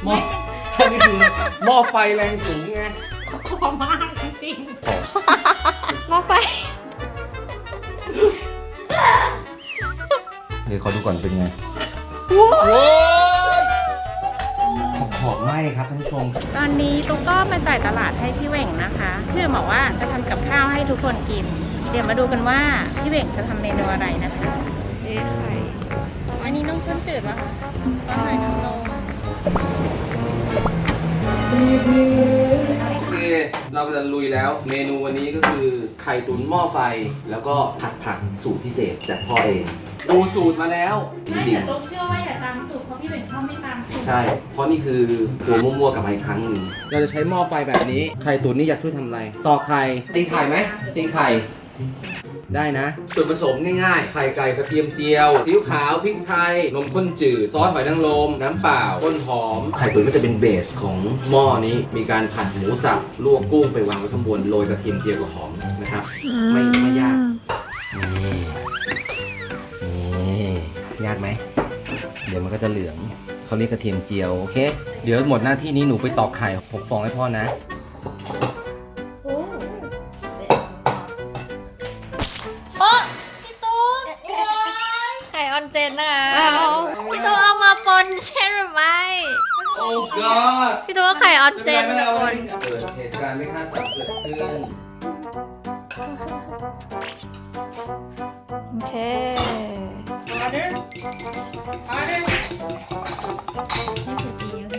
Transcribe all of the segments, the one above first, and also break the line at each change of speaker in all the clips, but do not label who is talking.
หม้ออันนี้คือหม้อไฟแรงสูงไง
กลัวมากจริง
หม้อไฟ
เดี๋ยวขอดูก่อนเป็นไง
ว้าว
หอมไหมครับท่านผู้ชม
ตอนนี้ตุ๊กก็มาจ่ายตลาดให้พี่เหว่งนะคะพี่บอกว่าจะทำกับข้าวให้ทุกคนกิน เดี๋ยวมาดูกันว่าพี่เหว่งจะทำเมนูอะไรนะคะ
เอ๊ะไข่
อันนี้นมข้นจืดป่ะคะตอนไหนนม
โอเค เราจะลุยแล้ว เมนูวันนี้ก็คือไข่ตุ๋นหม้อไฟ แล้วก็ผัดผักสูตรพิเศษจากพ่อเอง ดูสูตรมาแล้วจ
ไม่
ริง
แต่ตุ๊กเชื่อว่าอย่าตามสูตรเพราะพี่เหว่งชอบไม่ตามสูตร
ๆใช่ เพราะนี่คือหัวมั่วๆกับมาอีกครั้งหนึ่งเราจะใช้หม้อไฟแบบนี้ ไข่ตุ๋นนี่อยากช่วยทำอะไร ตอกไข่ ตีไข่ไหม ตีไข่ ได้นะ ส่วนผสมง่ายๆ ไข่ไก่กระเทียมเจียวซีอิ๊วขาว พริกไทย นมข้นจืด ซอสหอยนางรม น้ำเปล่าต้นหอม ไข่ตุ๋นก็จะเป็นเบสของหม้อนี้ มีการผัดหมูสับ ลวกกุ้งไปวางไว้ข้างบน โรยกระเทียมเจียวกับหอมนะครับ ไม่ยาก นี่ยากไหม เดี๋ยวมันก็จะเหลือง เขาเรียกกระเทียมเจียว โอเค เดี๋ยวหมดหน้าที่นี้หนูไปตอกไข่6 ฟองให้พ่อนะ
โอ้
โอ๊ะพี่ตุ๊กไข่ออนเจนนะคะพี่ตุ๊กเอามาปนใช่หรือไม่
โอ้ god
พี่ตุ๊กเอาไข่ออนเจน
ไม่
มา
เอา
ปน
เกิดเหตุการณ์ไม่คาดฝันเกิดขึ้น
โอเค
ออเดอร์ออเดอร์นี่คือดีเลย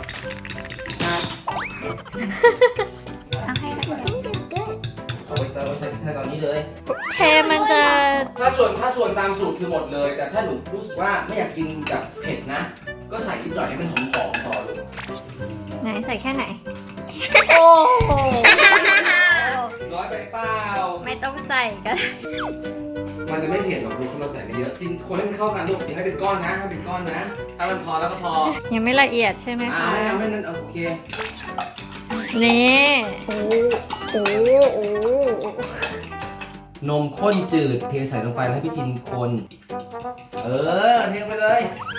เอาให้ค่ะ
เอาไปใส่พริกไทยตอนนี้เลย
เทมันจะ
ถ้าส่วนตามสูตรคือหมดเลย แต่ถ้าหนูรู้สึกว่าไม่อยากกินแบบเผ็ดนะ ก็ใส่นิดหน่อยให้มันหอมๆพอลูก
ไหนใส่แค่ไหน โอ้โห
ร้อยไปเปล่า
ไม่ต้องใส่ก็ได้
มันจะไม่เผ็ดหรอกลูกถ้าเราใส่ไปเยอะกินคนให้มันเข้ากันลูกอย่าให้เป็นก้อนนะให้เป็นก้อนนะ ถ้ามันพอแล้วก็พอ
ยังไม่ละเอียดใช่ไหมคะ
ให้เอาให้นั้นโอเค
นี่โอ้โหโอ้โห
นมข้นจืดเทใส่ลงไปแล้วให้พี่จินคน เทไปเลย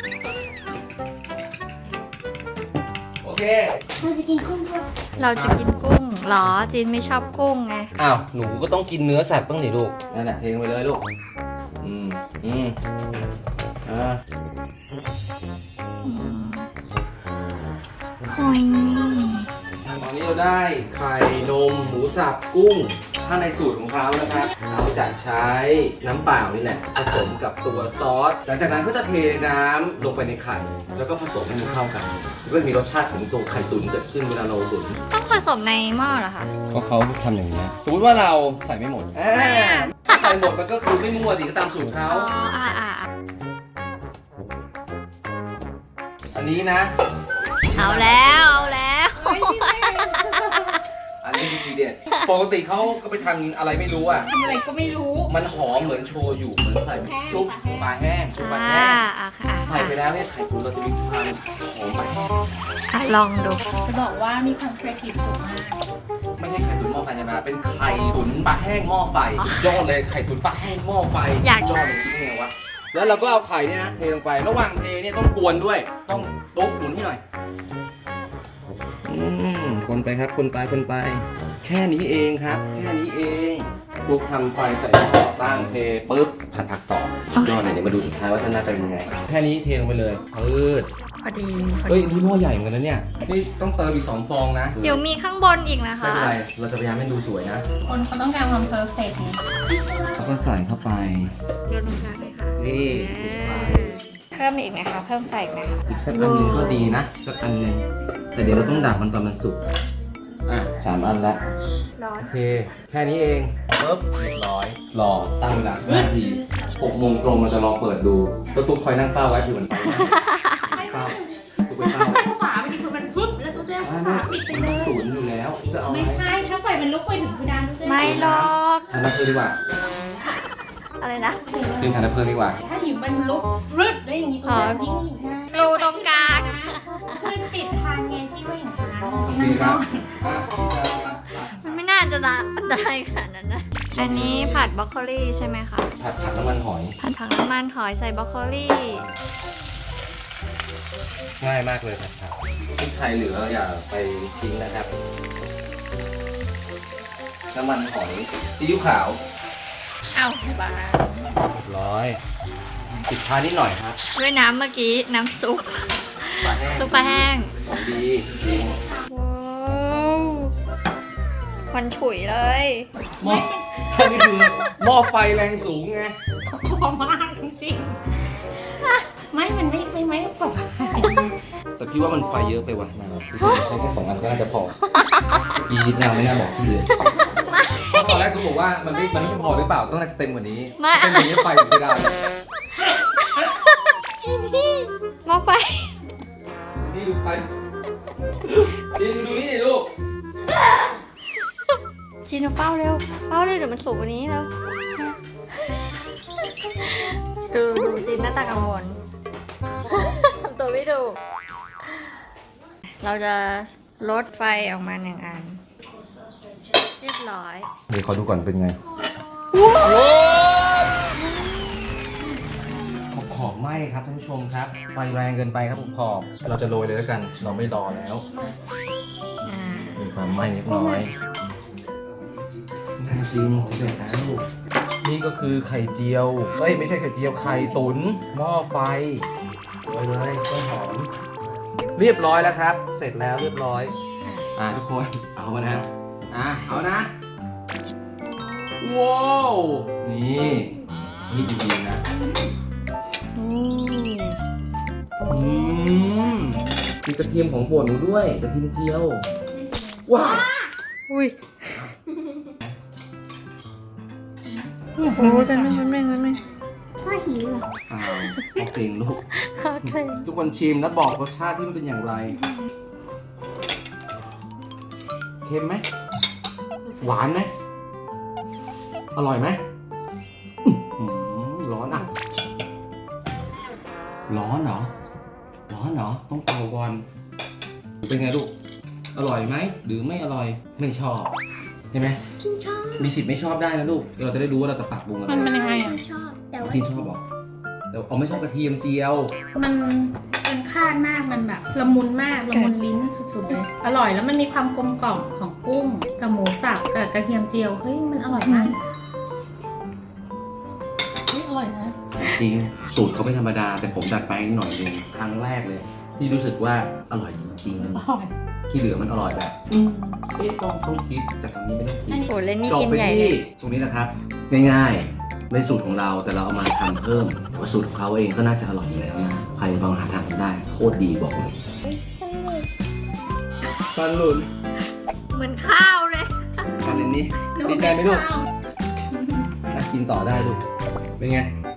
โอเค
เราจะกินกุ้งเหรอจีนไม่ชอบกุ้งไง
อ้าว หนูก็ต้องกินเนื้อสัตว์บ้างดิลูก นั่นแหละเทลงไปเลยลูก อ่า
โอ้ย
ตอนนี้เราได้ไข่นมหมูสับกุ้ง ถ้าในสูตรของเขานะครับเขาจะใช้น้ำเปล่านี่แหละผสมกับตัวซอส หลังจากนั้นก็จะเทน้ำลงไปในไข่ แล้วก็ผสมให้มันเข้ากันก็จะมีรสชาติของตัวไข่ตุ๋นเกิดขึ้นเวลาเราตุ๋น
ต้องผสมในหม้อเหรอคะ
ก็เขาทำอย่างนี้สมมติว่าเราใส่ไม่หมดถ้าใส่หมดมันก็คือไม่มั่วสิก็ตามสูตรเขา
อ๋ออ่า
อันนี้นะ
เอาแล้วเอาแล้ว
อันนี้คือทีเด็ดปกติเขาก็ไปทำอะไรไม่รู้อ่ะ
ทำอะไรก็ไม่รู้
มันหอมเหมือนโชยุเหมือนใส่ซุปปลาแห้งซุปปลา
อ่า
แห้ง
อ่ะค่ะ
ใส่ไปแล้วเนี่ยไข่ตุ๋นเราจะมีความหอมไป
อ่ะลองดู
จะบอกว่ามีความครีเอทีฟสูงมาก
ไม่ใช่ไข่ตุ๋นหม้อไฟธรรมดาเป็นไข่ตุ๋นปลาแห้งหม้อไฟสุดยอดเลยไข่ตุ๋นปลาแห้งหม้อไฟ
อยาก
สุดยอดเลยคิดได้ไงวะแล้วเราก็เอาไข่เนี่ยนะเทลงไประหว่างเทเนี่ยต้องกวนด้วยต้องตุ๊บหมุนให้หน่อยคนไปครับคนไปแค่นี้เองครับ แค่นี้เองลูกทำไฟใส่หม้อตั้งเทปุ๊บผัดผักต่อสุดยอดเลยเดี๋ยวมาดูสุดท้ายว่าจะหน้าตาเป็นยังไงแค่นี้เทลงไปเลยปืด
พอดี
เฮ้ยนี่หม้อใหญ่เหมือนกันนะเนี่ยนี่ต้องเติมอีก2 ฟองนะ
เดี๋ยวมีข้างบนอีกนะ
ไม่
คะ
เป็นไรเราจะพยายามให้ดูสวยนะ
คนเขาต้องการความเพอร์เฟกต์ไง
แล้วก็ใส่เข้าไป
เดี๋ยวลงกลางเลยค่ะ
นี่
เพิ่มอีกไหมคะเพิ่มไฟอีกไหมคะ
อีกสักอันหนึงก็ดีนะสักอันหนึงแต่เดี๋ยวเราต้องดับมันตอนมันสุก3 อันละ
ร้อน
โอเค แค่นี้เองปุ๊บเรียบร้อยรอตั้งเวลา15 นาที6 โมงตรงเราจะรอเปิดดูตุ๊กคอยนั่งเฝ้าไว้เผื่อมันไปนะเฝ้าตุ๊กไปเฝ้า
ถ้าฝาไม่ดีคือมันฟึบแล้วตุ๊กจะฝาปิดไปเลย
ตุ๋นอยู่แล้วจะเอา
ไม่ใช่ถ้าไฟมันลุกไปถึงเพดานตุ๊กจะ
ไม่หรอก
ทานน้ำเพื่อดีกว่า
อะไรนะ
ขึ้นทานน้ำเพื่อดีกว่า
ถ้าอยู่มันลุกฟึบแล้วอย่างนี้ตุ๊กจะวิ่งหนีนะ
รูตรงกลาง
คือปิดทางไงที่ว่าอย่างนั้น
โอเคครับ
มันไม่น่าจะละอันตรายขนาดนั้นนะ อันนี้ผัดบรอกโคลีใช่ไหมคะ
ผัดน้ำมันหอย
ผัดผักน้ำมันหอยใส่บรอกโคลี
ง่ายมากเลยครับพริกไทยเหลืออย่าไปทิ้งนะครับ น้ำมันหอยซีอิ๊วขาว
เอาบา
เรียบร้อยปิดท้ายนิดหน่อยครับ
ด้วยน้ำเมื่อกี้น้ำซุป
ปลาแห้ง
ซุปปลาแห้ง
ของดีจริง
ว้าวควันฉุยเลย
หม้ออันนี้คือหม้อไฟแรงสูงไง
พอมากจริงๆไม่มันไม่ปลอดภัย
แต่พี่ว่ามันไฟเยอะไปว่ะนะใช้แค่2 อันก็น่าจะพออีนิดนาวไม่น่าบอกพี่เลยเพราะตอนแรกกูบอกว่ามันไม่พอหรือเปล่าต้องน่าจะเต็มกว่านี้เต็มกว่านี้ไฟถึงจะได้
นี่หม้อไฟ
นี่ดูไฟนี่ดูนี่ดิลูก
จีนเฝ้าเร็วเฝ้าเร็วเดี๋ยวมันสุกกว่านี้แล้วดูจีนหน้าตากังวล ทำตัวไม่ดู เราจะลดไฟออกมา1 อัน เรียบร้อย
เดี๋ยวขอดูก่อนเป็นไงขอบไหม้ครับท่านผู้ชมครับ ไฟแรงเกินไปครับขอบเราจะโรยเลยแล้วกัน เราไม่รอแล้ว มีความไหม้เล็กน้อยน่ากินจะเสร็จแล้วลูกนี่ก็คือไข่เจียวเอ้ยไม่ใช่ไข่เจียวไข่ตุ๋นหม้อไฟโรยเลยต้นหอมเรียบร้อยแล้วครับ เสร็จแล้วเรียบร้อยทุกคนเอามานะเอานะว้าวนี่ดีๆนะมีกระเทียมของโปรดหนูด้วยกระเทียมเจียวว้าว
อุ้ยโอ้โหกันไม่
พ่อหิวเหรอ
อ้าวเอาเก่งลูก
โอเค
ทุกคนชิมแล้วบอกรสชาติที่มันเป็นอย่างไร เค็มไหม หวานไหม อร่อยไหมอื้อหือร้อนอ่ะ ร้อนเหรอ ต้องเป่าก่อน เป็นไงลูก อร่อยไหม หรือไม่อร่อย ไม่ชอบใช่ไหม
กินชอบ
มีสิทธิ์ไม่ชอบได้นะลูก เราจะได้รู้ว่าเราจะปรับปรุงอะไร
มันยังไงอ่ะ
ชอบ แต่ว่า
จริงชอบบอกแต่เอาไม่ชอบกระเทียมเจียว
มันเป็นคาดมาก มันแบบละมุนมาก ละมุนลิ้นสุดๆเลย อร่อยแล้วมันมีความกลมกล่อมของกุ้งกับหมูสับกับกระเทียมเจียว เฮ้ยมันอร่อยมากเฮ้ยอร่อยนะ
จริงสูตรเขาไม่ธรรมดา แต่ผมดัดแปลงหน่อยนึงครั้งแรกเลย ที่รู้สึกว่าอร่อยจริง
อร่อย
ๆ ที่เหลือมันอร่อยแบบต้องคิดแต่ครั้งนี้ไม่ต้องคิด
โอ้เล่นนี่
จบ
กิน
ไป
ใหญ่เล
ที่
ย
ตรงนี้นะครับ ง่ายๆในสูตรของเราแต่เราเอามาทำเพิ่มแต่ว่าสูตรของเขาเองก็น่าจะอร่อยอยู่แล้วนะใครลองหาทำได้โคตรดีบอกเลยปลาหลุน
เหมือนข้าวเลย
ปลาเลนนี่ดีใจไหมลูกน่ากินต่อได้ลูกเป็นไง